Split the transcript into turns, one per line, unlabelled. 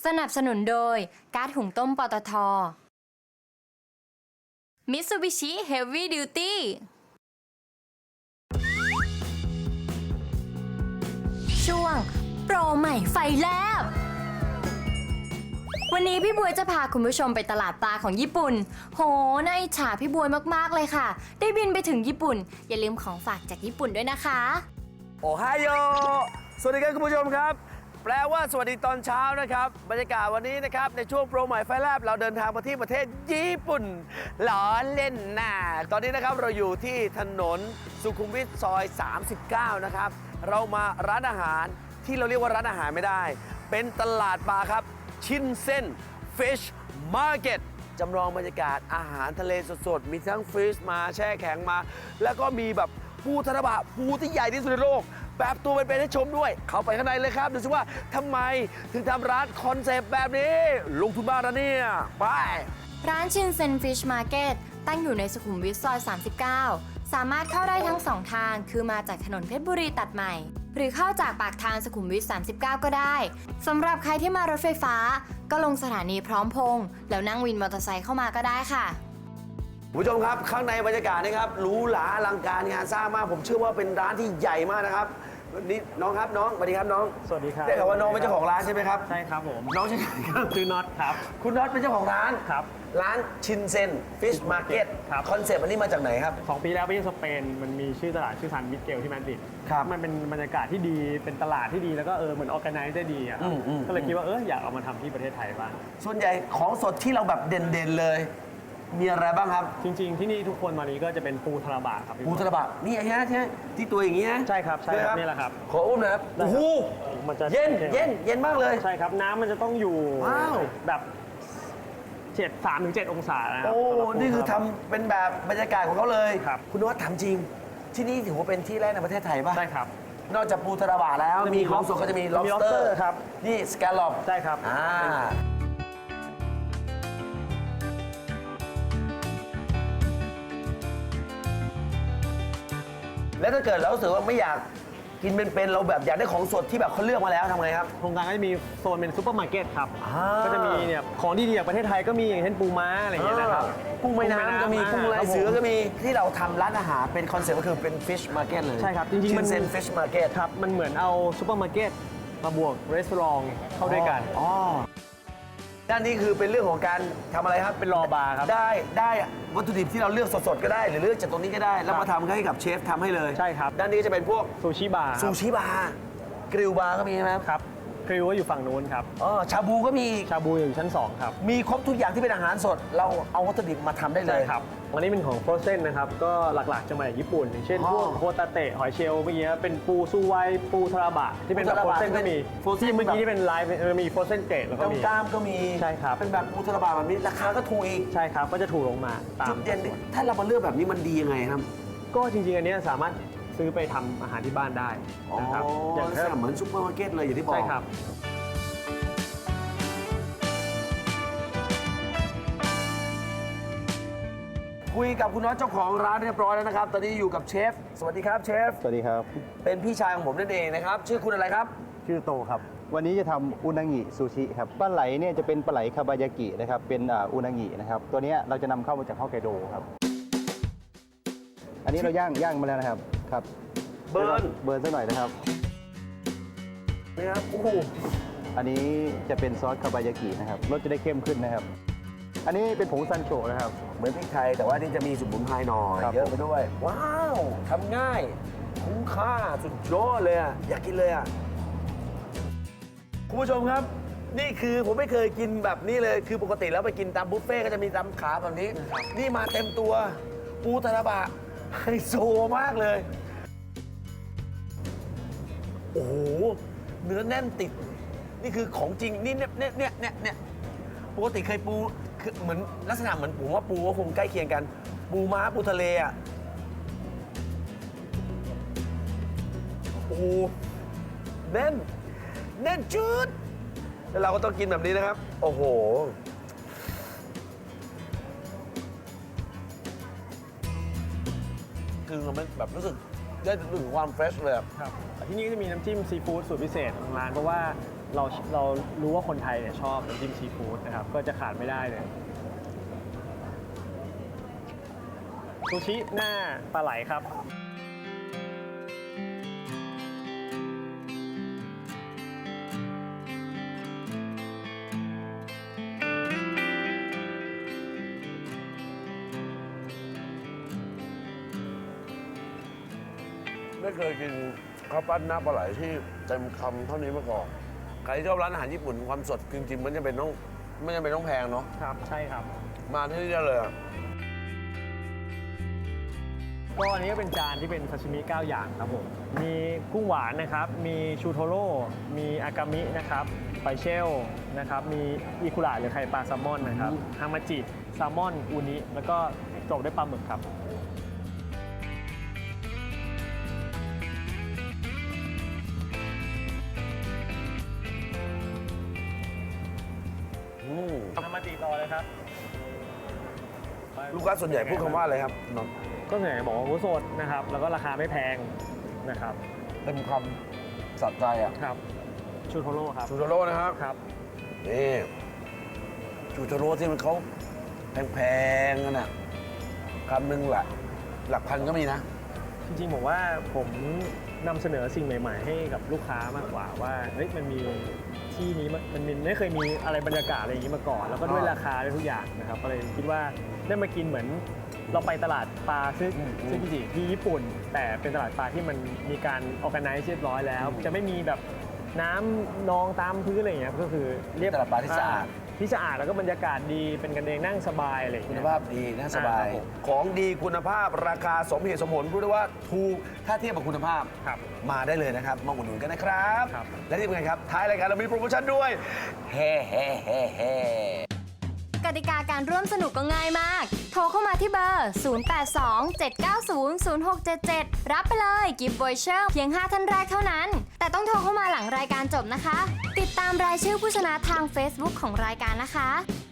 สนับสนุนโดยก๊าซหุงต้มปตท. Mitsubishi Heavy Duty ช่วงโปรใหม่ไฟแลบวันนี้พี่บวยจะพาคุณผู้ชมไปตลาดปลาของญี่ปุ่นโหน่าอิจฉาพี่บวยมากๆเลยค่ะได้บินไปถึงญี่ปุ่นอย่าลืมของฝากจากญี่ปุ่นด้วยนะคะ
โอไฮโอสวัสดีครับคุณผู้ชมครับแปลว่าสวัสดีตอนเช้านะครับบรรยากาศวันนี้นะครับในช่วงโปรใหม่ไฟแลบเราเดินทางมาที่ประเทศญี่ปุ่นล้อเล่นน่ะตอนนี้นะครับเราอยู่ที่ถนนสุขุมวิทซอย 39 นะครับเรามาร้านอาหารที่เราเรียกว่าร้านอาหารไม่ได้เป็นตลาดปลาครับชินเซ็น Fish Market จำลองบรรยากาศอาหารทะเลสดๆมีทั้งฟิชมาแช่แข็งมาแล้วก็มีแบบปูทาราบะปูที่ใหญ่ที่สุดในโลกแบบตัวเป็นๆให้ชมด้วยเข้าไปข้างในเลยครับดูสิว่าทำไมถึงทำร้านคอนเซปต์แบบนี้ลงทุนมากนะเนี่ยไป
ร้านชินเซ็นฟิชมาร์เก็ตตั้งอยู่ในสุขุมวิทซอย 39 สามารถเข้าได้ทั้ง2ทางคือมาจากถนนเพชรบุรีตัดใหม่หรือเข้าจากปากทางสุขุมวิท 39 ก็ได้สำหรับใครที่มารถไฟฟ้าก็ลงสถานีพร้อมพงษ์แล้วนั่งวินมอเตอร์ไซค์เข้ามาก็ได้ค่ะ
ผู้ชมครับข้างในบรรยากาศนะครับหรูหราอลังการงานสร้างมากผมเชื่อว่าเป็นร้านที่ใหญ่มากนะครับนี่น้องครับน้องสวัสดีครับน้อง
สวัสดีครับ
ได้ข่าวว่าน้องเป็นเจ้าของร้านใช่ไหมครับ
ใช่ครับผม
น้องชื่อครับ
คือน็อตครับ
คุณน็อตเป็นเจ้าของร้าน
ครับ
ร้านชินเซ็นฟิชมาร์เก็ต
ครับ
คอนเซปต์อันนี้มาจากไหนครับ
2 ปีแล้วไปที่สเปนมันมีชื่อตลาดชื่อซันมิเกลที่มาดริด
ครับ
มันเป็นบรรยากาศที่ดีเป็นตลาดที่ดีแล้วก็เหมือนออร์แกไนซ์ได้ดีอ่ะก็เลยคิดว่าอยากเอามาทำที่ประเทศไทยบ้าง
ส่วนใหญ่ของสดที่เราแบบเด่นๆเลยมีอะไรบ้างครับ
จริงๆที่นี่ทุกคนมานี้ก็จะเป็นปูทาราบะครับ
ปูทาราบะนี่ไอ้ฮะที่ตัวอย่างนี้นะ
ใช่ครับใช่ครับนี่แหละครับ
ขออุ้มหน่อยครับโอ้โห
มันจะ
เย็นมากเลย
ใช่ครับน้ำมันจะต้องอยู่แบบ3-7 องศานะครับ
โอ้นี่คือทำเป็นแบบบรรยากาศของเขาเลย
ครับ
คุณนวัดถามจริงที่นี่ถือว่าเป็นที่แรกในประเทศไทยป่ะ
ใช่ครับ
นอกจากปูทาราบะแล้วมีของสดก็จะมี lobster
ครับ
นี่ scallop
ใช่ครับ
แล้วถ้าเกิดเรารู้สึกว่าไม่อยากกินเป็นๆเราแบบอยากได้ของสดที่แบบเขาเลือกมาแล้วทำไงครับ
โครงการก็จะมีโซนเป็นซูเปอร์มาร์เก็ตครับก็จะมีเนี่ยของดีๆจากประเทศไทยก็มีอย่างเช่นปูม้าอะไรอย่างเงี้ยนะครับ
กุ้งแม่น้ำก็มีกุ้งลายเสือก็มีที่เราทำร้านอาหารเป็นคอนเซ็ปต์ก็คือเป็น fish market เลย
ใช่ครับจริงๆมัน
เป็น fish market
ครับมันเหมือนเอาซูเปอร์มาร์เก็ตมาบวกรีสอร์ทเข้าด้วยกัน
ด้านนี้คือเป็นเรื่องของการทำอะไรครับ
เป็นรอบาร์ครับ
ได้วัตถุดิบที่เราเลือกสดๆก็ได้หรือเลือกจากตรงนี้ก็ได้แล้วมาทำให้กับเชฟทำให้เลย
ใช่ครับ
ด้านนี้จะเป็นพวก
ซูชิบาร์
กริลบาร์ก็มีไหม
ครับกริลก็อยู่ฝั่งนู้นครับ
ชาบูก็มี
ชาบูอยู่ชั้น2ครับ
มีครบทุกอย่างที่เป็นอาหารสดเราเอาวัตถุดิบมาทำได้เลย
ใช่ครับอันนี้เป็นของโฟรเซนนะครับก็หลักๆจะมาจากญี่ปุ่นอย่างเช่นพวกโคตาเตะหอยเชลล์เมื่อกี้เป็นปูซูไวปูทาราบะที่เป็นแบบโฟรเซนก็มีที่เมื่อกี้ที่เป็นไลฟ์มีโฟรเซนเกรดแล้วก็มี
กล้ามก็มี
ใช่ครับ
เป็นแบบปูทาราบะแบบนี้ราคาก็ถูกอีก
ใช่ครับก็จะถูกลงมา
จุดเด่นถ้าเรามาเลือกแบบนี้มันดียังไงครับ
ก็จริงๆอันนี้สามารถซื้อไปทำอาหารที่บ้านได้นะครับ
อย่างเหมือนซุปเปอร์มาร์เก็ตเลยอย่างที่บอก
ใช่ครับ
คุยกับคุณน็อตเจ้าของร้านเรียบร้อยแล้วนะครับตอนนี้อยู่กับเชฟสวัสดีครับเชฟ
สวัสดีครับ
เป็นพี่ชายของผมนั่นเองนะครับชื่อคุณอะไรครับ
ชื่อโตครับวันนี้จะทำอุนางิซูชิครับปลาไหลเนี่ยจะเป็นปลาไหลคาบายากินะครับเป็นอุนางินะครับตัวนี้เราจะนำเข้ามาจากฮอกไกโดครับอันนี้เราย่างมาแล้วนะครับครับเบิร์นสักหน่อยนะครับ
นี่ครับโอ้โห
อันนี้จะเป็นซอสคาบายากินะครับรสจะได้เข้มขึ้นนะครับอันนี้เป็นผงซันโชะนะครับ
เหมือนพริกไทยแต่ว่านี่จะมีสมุนไพรหน่อยเยอะไปด้วยว้าวทำง่ายคุ้มค่าสุดยอดเลยอยากกินเลยคุณผู้ชมครับนี่คือผมไม่เคยกินแบบนี้เลยคือปกติแล้วไปกินตามบุฟเฟ่ก็จะมีตามขาแบบนี้นี่มาเต็มตัวปูทาราบะไฮโซมากเลยโอ้โหเนื้อแน่นติดนี่คือของจริงนี่เนี่ยปกติเคยปูคือเหมือนลักษณะเหมือนผมว่าปูก็คงใกล้เคียงกันปูม้าปูทะเลโอ้โหแน่นจืดแล้วเราก็ต้องกินแบบนี้นะครับโอ้โหคือมันแบบรู้สึกได้ถึงความเฟรชเลย
ครับที่นี่ก็จะมีน้ำจิ้มซีฟู้ดสูตรพิเศษของร้านเพราะว่าเรารู้ว่าคนไทยเนี่ยชอบน้ำจิ้มซีฟู้ดนะครับก็จะขาดไม่ได้เลยซูชิหน้าปลาไหลครับ
ไม่เคยกินข้าวปั้นหน้าปลาไหลที่เต็มคำเท่านี้มาก่อนใครที่ชอบร้านอาหารญี่ปุ่นความสดจริงๆมันจะเป็นต้องแพงเนาะ
ครับใช่ครับ
มาที่นี่ได้เลยอะ
ก็อันนี้ก็เป็นจานที่เป็นซาชิมิ9อย่างครับผมมีกุ้งหวานนะครับมีชูโทโร่มีอากามินะครับไฟเชลนะครับมีอิคุระหรือไข่ปลาแซลมอนนะครับฮามาจิแซลมอนอูนิแล้วก็จบด้วยปลาหมึกครับ ฮามาจิต่อเลยครับ
ลูกค้าส่วนใหญ่พูดคำว่าอะไรครับนนท์
ก็ส่วนใหญ่บอกว่าหมูสดนะครับแล้วก็ราคาไม่แพงนะครับ
เต็มคำสัดใจอ่ะ
ครับชูโทโร่ครับ
ชูโทโร่นะครับ
ครับ
นี่ชูโทโร่ที่มันเขาแพงๆกันอ่ะคำหนึ่งหลักพันก็มีนะ
จริงๆผมว่าผมนำเสนอสิ่งใหม่ๆ ให้กับลูกค้ามากกว่าว่าเฮ้ยมันมีที่นี้มันไม่เคยมีอะไรบรรยากาศอะไรอย่างนี้มาก่อน แล้วก็ด้วยราคาด้วยทุกอย่างนะครับก็เลยคิดว่าได้มากินเหมือนเราไปตลาดปลาซึ่งจริงๆที่ญี่ปุ่น แต่เป็นตลาดปลาที่มันมีการออแกไนซ์เรียบร้อยแล้ว จะไม่มีแบบน้ำนองตามพื้นอะไรอย่างเงี้ยก็คือเรียบ
ตลาดปลาที่สะอาด
ที่สะอาดแล้วก็บรรยากาศดีเป็นกันเองนั่งสบายอะไรอย่าง
คุ
เงี้
ณ
ย
ภาพดีน่าสบาย
ครับผม
ของดีคุณภาพราคาสมเหตุสมผลพูดได้ว่าถูกถ้าเทียบกับคุณภาพ
ครับ
มาได้เลยนะครับมาอุดหนุนกันนะครับ
ครับ
และที่สำคัญครับท้ายรายการเรามีโปรโมชั่นด้วยเฮ้เฮ้เฮ้เฮ้
กติกาการร่วมสนุกก็ง่ายมาก โทรเข้ามาที่เบอร์ 0827900677 รับไปเลยกิฟต์วอยเชอร์เพียง 5 ท่านแรกเท่านั้น แต่ต้องโทรเข้ามาหลังรายการจบนะคะ ติดตามรายชื่อผู้ชนะทาง Facebook ของรายการนะคะ